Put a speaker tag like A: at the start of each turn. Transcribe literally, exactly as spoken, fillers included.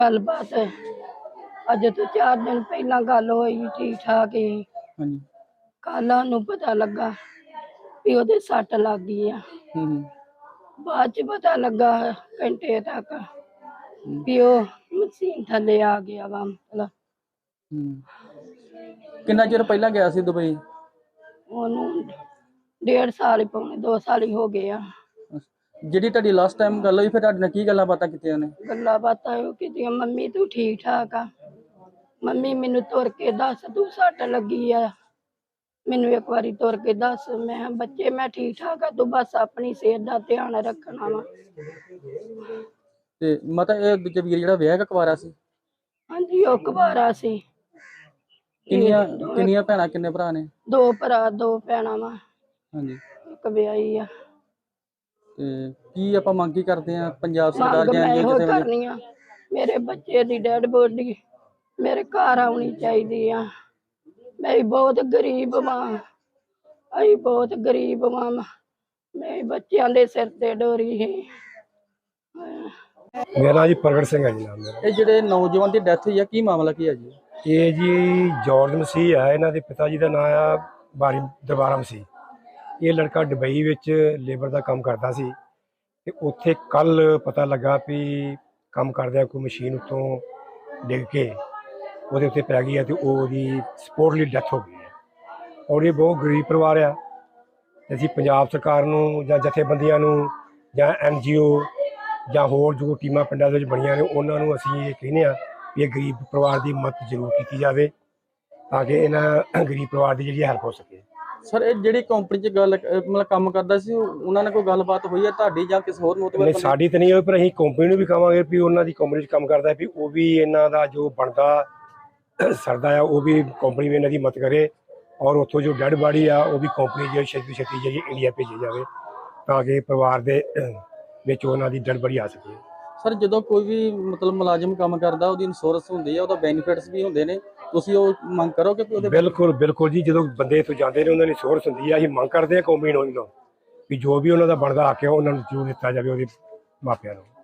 A: गलबात अज तो चार दिन पहला गल होई ठीक ठाक ही।
B: ਹਾਂਜੀ
A: कल सानू पता लगा भी ओदे सट लग गई आ।
B: ਹੂੰ ਹੂੰ
A: बाद च पता लगा घंटे तक
B: ਹੂੰ
A: भी ओ मशीन थले आ गया वा। मतलब
B: हूँ। कितना चिर पहला गया सी दुबई?
A: ओनू डेढ़ साल ही पौने दो साल ही हो गए आ।
B: ਜਿਹੜੀ ਤੁਹਾਡੀ ਲਾਸਟ ਟਾਈਮ ਗੱਲ ਹੋਈ ਫਿਰ ਤੁਹਾਡੇ ਨਾਲ ਕੀ ਗੱਲਾਂ ਬਾਤਾਂ ਕੀਤੀਆਂ ਨੇ?
A: गल्लां बातां इहो कीतियां मम्मी तू ठीक ठाक आ, मम्मी मैनू तुर के दस तू सट लगी आ, मैनू एक बारी तुर के दस। मैं किहा बच्चे मैं ठीक ठाक आ, तू बस अपनी सेहत का ध्यान रखना वा।
B: ਤੇ ਮਤਲਬ ਇਹ ਦੂਜੇ ਵੀਰ ਜਿਹੜਾ ਵਿਆਹ ਕਕਵਾਰਾ ਸੀ?
A: हाँ जी ओ कुवारा सी।
B: ਕਿੰਨੀਆਂ ਕਿੰਨੀਆਂ ਭੈਣਾਂ ਕਿੰਨੇ ਭਰਾ ਨੇ?
A: दो भरा दो भैणां वा,
B: ਹਾਂਜੀ
A: एक ब्याही आ।
B: ਤੇ ਕੀ ਆਪਾਂ ਮੰਗ ਕੀ ਕਰਦੇ ਆ ਪੰਜਾਬ ਸਰਕਾਰ
A: ਮੰਗ
B: ਜਾਂ
A: मैं
B: ਜਾਂ
A: इहो
B: ਕਿਸੇ ਵੱਲੋਂ?
A: करनी आ मेरे बच्चे दी डेड बॉडी मेरे घर आनी चाहिदी आ। मैं बहुत गरीब मां, अई बहुत गरीब मां, मैं बच्चों के सिर ते डोरी है।
C: मेरा जी प्रगट सिंह है जी नाम मेरा।
B: ਇਹ ਜਿਹੜੇ ਨੌਜਵਾਨ ਦੀ ਡੈਥ ਹੋਈ ਆ ਕੀ ਮਾਮਲਾ ਕੀ ਹੈ ਜੀ?
C: ये जी जॉर्ज मसीह है, इन्हों के पिता जी का नाम आ बारी दरबारा मसीह। ये लड़का दुबई विच लेबर का काम करता सी ते उत्थे कल पता लगा भी काम करदे कोई मशीन उत्तों डिग के ਉਹਦੇ ਉੱਤੇ ਪੈ ਗਈ ਹੈ ਤੇ ਉਹਦੀ ਸਪੋਰਟਲੀ ਡੈਥ ਹੋ ਗਈ ਹੈ। ਔਰ ਇਹ ਬਹੁਤ ਗਰੀਬ ਪਰਿਵਾਰ ਆ ਤੇ ਅਸੀਂ ਪੰਜਾਬ ਸਰਕਾਰ ਨੂੰ ਜਾਂ ਜਥੇਬੰਦੀਆਂ ਨੂੰ ਜਾਂ ਐਨ ਜੀ ਓ ਜਾਂ ਹੋਰ ਜੋ ਟੀਮਾਂ ਪਿੰਡਾਂ ਦੇ ਵਿੱਚ ਬਣੀਆਂ ਨੇ ਉਹਨਾਂ ਨੂੰ ਅਸੀਂ ਇਹ ਕਹਿੰਦੇ ਆ ਵੀ ਇਹ ਗਰੀਬ ਪਰਿਵਾਰ ਦੀ ਮਦਦ ਜ਼ਰੂਰ ਕੀਤੀ ਜਾਵੇ ਤਾਂ ਕਿ ਇਹਨਾਂ ਗਰੀਬ ਪਰਿਵਾਰ ਦੀ ਜਿਹੜੀ ਹੈਲਪ ਹੋ ਸਕੇ।
B: ਸਰ ਇਹ ਜਿਹੜੀ ਕੰਪਨੀ 'ਚ ਗੱਲ ਮਤਲਬ ਕੰਮ ਕਰਦਾ ਸੀ ਉਹਨਾਂ ਨਾਲ ਕੋਈ ਗੱਲਬਾਤ ਹੋਈ ਹੈ ਤੁਹਾਡੀ ਜਾਂ ਕਿਸੇ ਹੋਰ ਮੋਤਬਰ?
C: ਨਹੀਂ ਸਾਡੀ ਤਾਂ ਨਹੀਂ ਹੋਈ, ਪਰ ਅਸੀਂ ਕੰਪਨੀ ਨੂੰ ਵੀ ਕਹਾਂਗੇ ਵੀ ਉਹਨਾਂ ਦੀ ਕੰਪਨੀ 'ਚ ਕੰਮ ਕਰਦਾ ਵੀ ਉਹ ਵੀ ਇਹਨਾਂ ਦਾ ਜੋ ਬਣਦਾ ਸਰਦਾ ਆ ਉਹ ਵੀ ਕੰਪਨੀ ਵੀ ਇਹਨਾਂ ਦੀ ਮਦਦ ਕਰੇ ਔਰ ਉੱਥੋਂ ਜੋ ਡੈਡ ਬਾਡੀ ਆ ਉਹ ਵੀ ਕੰਪਨੀ ਜਿਹੜੀ ਛੇਤੀ ਛੇਤੀ ਜਿਹੜੀ ਇੰਡੀਆ ਭੇਜੀ ਜਾਵੇ ਤਾਂ ਕਿ ਪਰਿਵਾਰ ਦੇ ਵਿੱਚ ਉਹਨਾਂ ਦੀ ਡੈਡ ਬਾਡੀ ਆ ਸਕੇ।
B: ਸਰ ਜਦੋਂ ਕੋਈ ਵੀ ਮਤਲਬ ਮੁਲਾਜ਼ਮ ਕੰਮ ਕਰਦਾ ਉਹਦੀ ਇੰਸ਼ੋਰੈਂਸ ਹੁੰਦੀ ਹੈ, ਉਹਦਾ ਬੈਨੀਫਿਟਸ ਵੀ ਹੁੰਦੇ ਨੇ, ਤੁਸੀਂ ਉਹ ਮੰਗ ਕਰੋਗੇ ਕਿ ਉਹਦੇ?
C: ਬਿਲਕੁਲ ਬਿਲਕੁਲ ਜੀ, ਜਦੋਂ ਬੰਦੇ ਇੱਥੋਂ ਜਾਂਦੇ ਨੇ ਉਹਨਾਂ ਦੀ ਇੰਸ਼ੋਰੈਂਸ ਹੁੰਦੀ ਆ। ਅਸੀਂ ਮੰਗ ਕਰਦੇ ਹਾਂ ਕੰਪਨੀ ਨੂੰ ਵੀ ਜੋ ਵੀ ਉਹਨਾਂ ਦਾ ਬਣਦਾ ਹੱਕ ਹੈ ਉਹਨਾਂ ਨੂੰ ਜ਼ਰੂਰ ਦਿੱਤਾ ਜਾਵੇ ਉਹਦੇ ਮਾਪਿਆਂ ਨੂੰ।